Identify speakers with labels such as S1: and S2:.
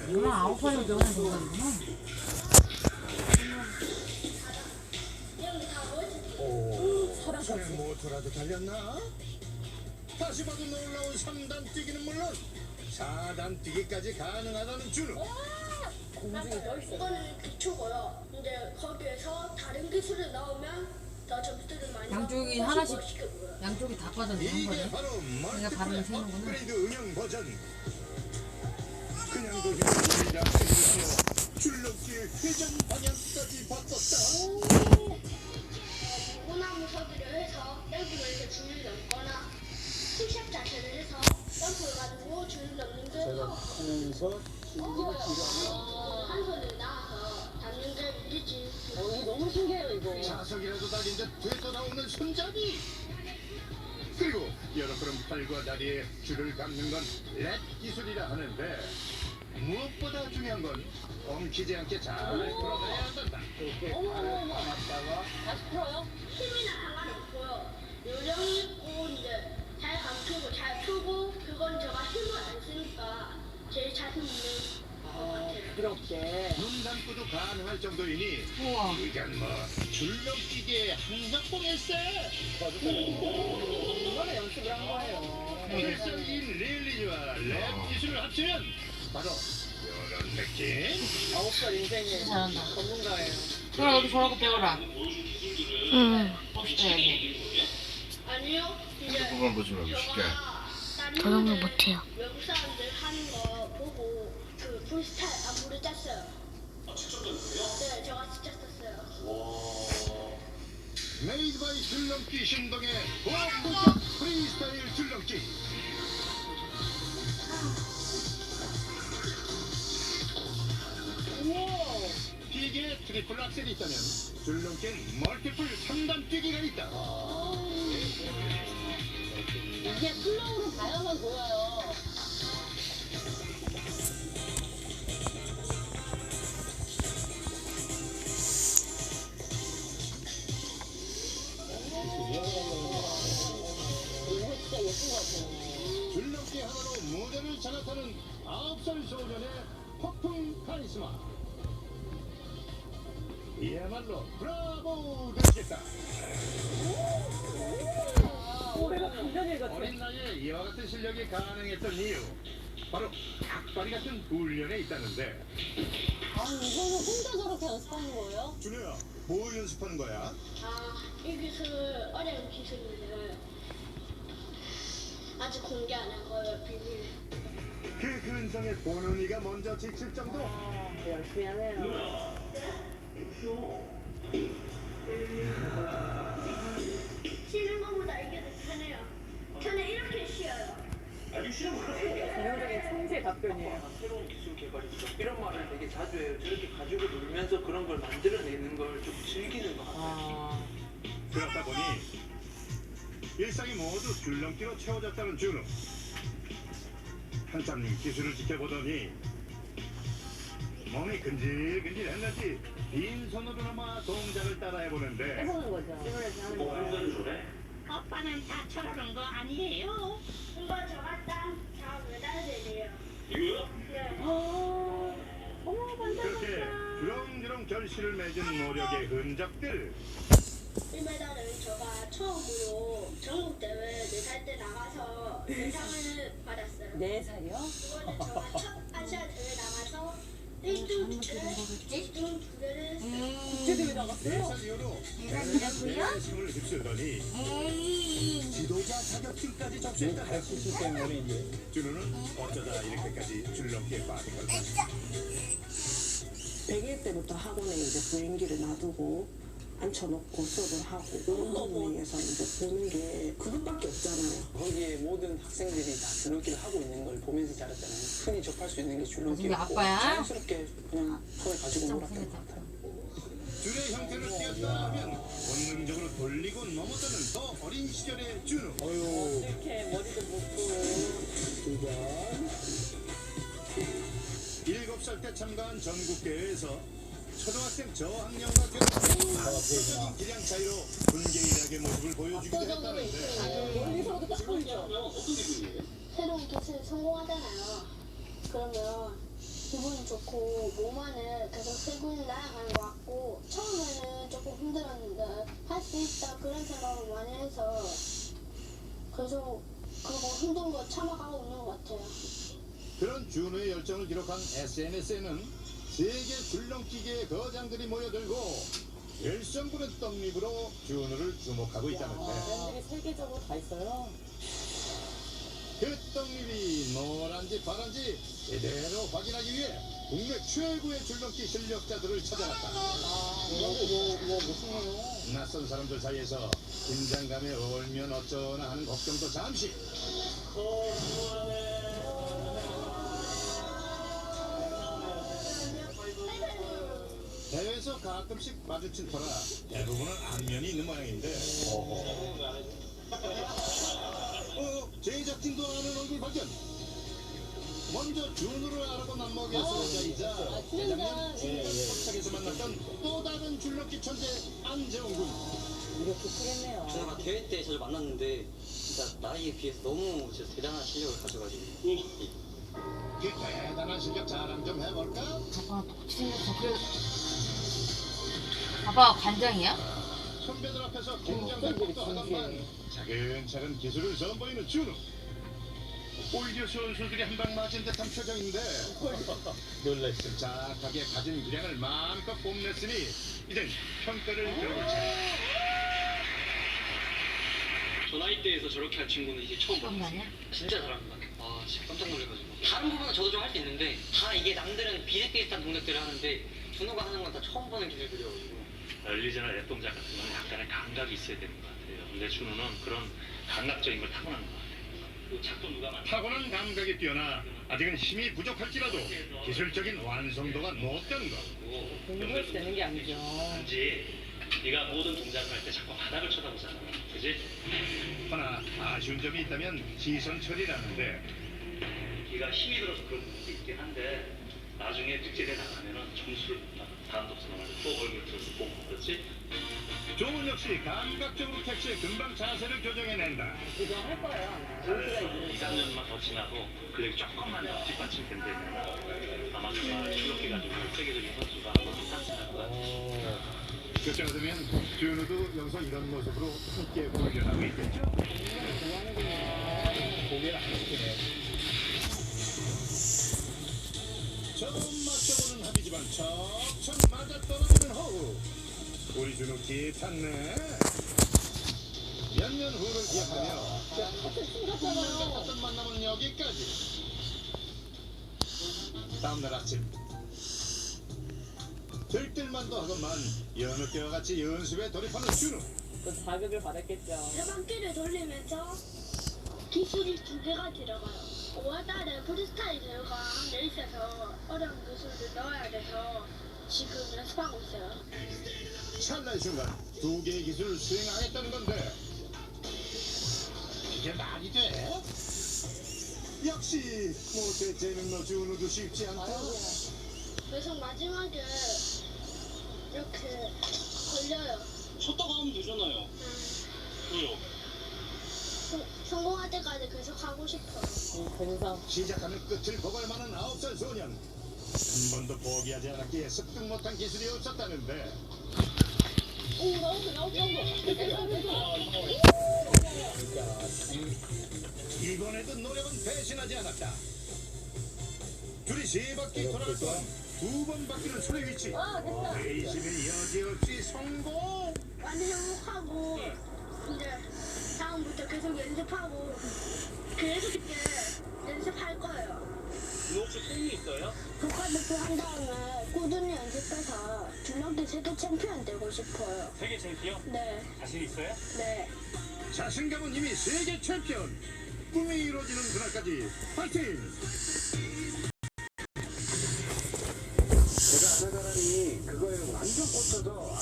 S1: 그럼 9살이 되면 되는구나.
S2: 사람이 모터라도 달렸나? 다시 봐도 놀라운 3단 뛰기는 물론 4단 뛰기까지 가능하다는 준우.
S3: 공중에 떠있어요. 이거는 기초고요. 이제 거기에서 다른 기술이 나오면 더 점수를 많이
S1: 양쪽이
S3: 받고
S1: 하나씩
S3: 멋있게 보여요.
S1: 양쪽이 다 빠졌네 한
S2: 이게
S1: 번에.
S2: 바로
S1: 내가 발음을
S2: 멀티플레이
S1: 세는구나.
S2: 업그레이드 응용 버전. 그냥도 힘을 들이자 해주며 줄넘기의 회전 방향까지 바꿨다.
S3: 무나무 서기를 해서 점프를 해서 줄을 넘거나 푸시업 자세를 해서 점프를 가지고 줄을 넘는 게
S4: 하면서
S3: 한 손을 나와서 잡는 게 일이지.
S5: 이거 너무 신기해요 이거.
S2: 자석이라도 달린 듯 되돌아오는 손잡이. 그리고 여러 그런 팔과 다리에 줄을 감는 건 렛 기술이라 하는데 무엇보다 중요한 건 엉키지 않게 잘 풀어내야 한단다.
S5: 어머머머. 다시 풀어요?
S3: 힘이나 상관없고요. 요령 있고 이제 잘 감추고 잘 풀고 그건 제가 힘을 안 쓰니까 제일 자신 있는 것 같아요.
S5: 부드럽게.
S2: 눈 감고도 가능할 정도이니
S1: 우와.
S2: 이건 뭐 줄넘기계 항상봉일세.
S5: 이거는 연습을 한 거예요.
S2: 필살기인 릴리즈와 랩 기술을 합치면 바로 이런 느낌.
S5: 9살 인생의
S1: 잘한다.
S5: 전문가예요.
S1: 그럼 여기 저러고 배워라.
S6: 응.
S1: 네.
S3: 아니요. 이제
S7: 그만 보지 말고 쉽게.
S6: 저런 걸 못해요.
S3: 외국 사람들 하는 거 보고 그 프리스타일 안무를 짰어요. 네, 제가 진짜 썼어요.
S2: 메이드 바이 줄넘기 신동의 고품격 프리스타일 줄넘기. 기계에 트리플 악셀이 있다면 줄넘기엔 멀티플 3단 뛰기가 있다.
S5: 이게 플로우로 봐야만 보여요. 이거 진짜 예쁜 것 같아요.
S2: 줄넘기 하나로 무대를 장악하는 9살 소년의 폭풍 카리스마. 이야말로 브라보 되겠다.
S5: 내가 감전일 같아.
S2: 어린 나이에 이와 같은 실력이 가능했던 이유 바로 닭다리 같은 훈련에 있다는데.
S5: 이거는 혼자 저렇게 연습하는 거예요?
S2: 준우야, 뭘 연습하는 거야?
S3: 이 기술 어려운 기술인데요. 아직 공개 안 한 거예요, 비밀.
S2: 그 근성에 본은이가 먼저 지칠 정도.
S5: 열심히 하네요.
S3: 쉬는 것보다 이게 더 편해요. 저는 이렇게 쉬어요.
S5: 전형적인 천재 답변이에요.
S8: 새로운 기술 개발이죠. 이런 말을 되게 자주 해요. 저렇게 가지고 놀면서 그런 걸 만들어내는 걸 좀 즐기는 것 같아요.
S2: 그렇다 보니 일상이 모두 줄넘기로 채워졌다는 준우. 한참 기술을 지켜보더니 몸이 근질근질했는지 빈손으로나마 동작을 따라해보는데
S5: 해보는 거죠. 하는 거예요.
S3: 오빠는 다 저러는 거 아니에요? 이거 저가 다 매달리네요.
S8: 이거요?
S3: 네.
S5: 어머
S2: 그렇게 주렁주렁 결실을 맺은 노력의 흔적들.
S3: 이 메달은 제가 처음으로 전국 대회 4살 때 나가서 대상을 받았어요.
S5: 4살이요?
S3: 이거는 제가 첫 아시아 대회 나가서 1등 2개를 2등 2개를 했어요.
S5: 국제대회 나갔어요?
S2: 4살 이후로 대회의 힘을 휩쓸더니 지도자 자격증까지 접수했다.
S4: 가르치실 때문에 이제
S2: 준우는 어쩌다 이렇게까지 줄넘기에 빠진 걸까?
S9: 100일 때부터 학원에 이제 보행기를 놔두고 앉혀놓고 수업을 하고 운동회에서 이제 보는 게 그것밖에 없잖아요.
S4: 거기에 모든 학생들이 다 줄넘기를 하고 있는 걸 보면서 자랐잖아요. 흔히 접할 수 있는 게
S1: 이게
S4: 줄넘기였고
S1: 아빠야?
S4: 자연스럽게 그냥 손에 가지고 놀았던 것 같아요.
S2: 줄의 형태를 띄었다 하면 본능적으로 돌리고 넘어뜨는 더 어린 시절의 준우.
S5: 이렇게 머리도 묶고.
S2: 7살 때 참가한 전국대회에서 초등학생 저학년과 결합 압도적인 기량 차이로 분개일하게 모습을 보여주기도 했다는데
S5: 멀리서도 딱 보이죠?
S3: 새로운 기술에 성공하잖아요. 그러면 기분이 좋고 몸 안에 계속 세균이 날아가는 것 같고 처음에는 조금 힘들었는데 할 수 있다 그런 생각을 많이 해서 계속 그거 힘든 거 참아가고 있는 것 같아요.
S2: 그런 준우의 열정을 기록한 SNS에는 세계 줄넘기계의 거장들이 모여들고 열성 부른 떡잎으로 준우를 주목하고 있다는데
S5: 팬들이 세계적으로 다 있어요.
S2: 그 떡잎이 노란지 파란지 제대로 확인하기 위해 국내 최고의 줄넘기 실력자들을 찾아갔다.
S5: 무슨해요?
S2: 낯선 사람들 사이에서 긴장감에 얼면 어쩌나 하는 걱정도 잠시. 대회에서 가끔씩 마주칠 터라 대부분은 안면이 있는 모양인데 제작진도 아는 얼굴 발견. 먼저 준우를 알아본 안목의 소자이자 대장년 합작에서 만났던 또 다른 줄넘기 천재 안재홍 군.
S5: 이렇게 크겠네요.
S7: 제가 대회 때 자주 만났는데 진짜 나이에 비해서 너무 진짜 대단한 실력을 가져가지고
S2: 그 대단한 실력 자랑 좀 해볼까?
S1: 아빠 똑같이 생겼어. 그래. 아빠가 관장이야?
S2: 선배들 앞에서 긴장된 것도 하던만 차근차근 기술을 선보이는 준우. 오히려 선수들이 한 방 맞은 듯한 표정인데 놀랬음 착하게 가진 기량을 마음껏 뽐냈으니 이젠 평가를 들어볼 차례.
S7: 저 나이대에서 저렇게 할 친구는 이제 처음
S1: 그런 거
S7: 봤어요.
S1: 아니야?
S7: 진짜 잘합니다. 아 진짜 깜짝 놀래가지고 다른 부분은 저도 좀 할 수 있는데 다 이게 남들은 비슷비슷한 동작들을 하는데 준호가 하는 건 다 처음 보는 기술들이어가지고
S10: 열리지나 랩 동작 같은 건 약간의 감각이 있어야 되는 것 같아요. 근데 준우는 그런 감각적인 걸 타고난 것 같아요. 그 작도 누가 만든
S2: 타고난 감각이 뛰어나 아직은 힘이 부족할지라도 기술적인 완성도가 높다는 것.
S5: 공부해서 되는 게 아니죠.
S10: 단지 네가 모든 동작을 할 때 자꾸 바닥을 쳐다보잖아. 그지?
S2: 하나 아쉬운 점이 있다면 시선 처리라는데
S10: 네가 힘이 들어서 그런 부분도 있긴 한데 나중에 득점에 나가면은 점수를 못 받아. 다음 독서 나가서 또 얼굴 들어서 보고 그렇지?
S2: 조은 역시 감각적으로 택시에 금방 자세를 교정해낸다.
S5: 이거 할 거예요. 아마. 연수가 있으니까.
S10: 2, 3년만 더 지나고 그래도 조금만 더 뒷받침 된다면 아마 정말 출력해 가지고 세계적인 선수가 한번 탑승할 것 같아요.
S2: 그때가 되면 준우도 여기서 이런 모습으로 함께 훈련하고 있겠죠? 고개를 안 숙이네. 처음 맞춰보는 합이지만 척척 맞아떨어지는 호흡. 우리 준우 기에 탔네. 몇 년 후를 기억하며 첫 만남은 여기까지. 다음날 아침 들뜰만도 하건만 여느 때와 같이 연습에 돌입하는 준우.
S5: 또 자극을 받았겠죠.
S3: 세 바퀴를 돌리면서 기술이 2개가 들어가요. 5월달에 프리스타일 대회가 한 개 있어서 어려운 기술을 넣어야 돼서 지금 연습하고 있어요.
S2: 찰나의 순간 2개의 기술을 수행하겠다는 건데 이게 말이 돼? 역시 못해 재능 너 준우도 쉽지 않다.
S3: 그래서 마지막에 이렇게 걸려요.
S7: 쳤다가 하면 되잖아요. 왜요?
S3: 성공할 때까지 계속 하고 싶어요.
S5: 근성.
S2: 시작하면 끝을 보갈 만한 9살 소년. 한 번도 포기하지 않았기에 습득 못한 기술이 없었다는데 이번에도 노력은 배신하지 않았다. 둘이 3바퀴 돌아갈 동안 2번 바퀴는 손에 위치. 회심의 여지없이 성공.
S3: 많이 행복하고 이제 다음부터 계속 연습하고 계속 이렇게 연습할 거예요.
S7: 너 혹시 꿈이 있어요?
S3: 국가대표 한 다음에 꾸준히 연습해서 줄넘기 세계 챔피언 되고 싶어요.
S7: 세계 챔피언?
S3: 네,
S7: 자신 있어요?
S3: 네.
S2: 자신감은 이미 세계 챔피언. 꿈이 이루어지는 그날까지 파이팅! 제가 하나가라니 그거에 완전 꽂혀서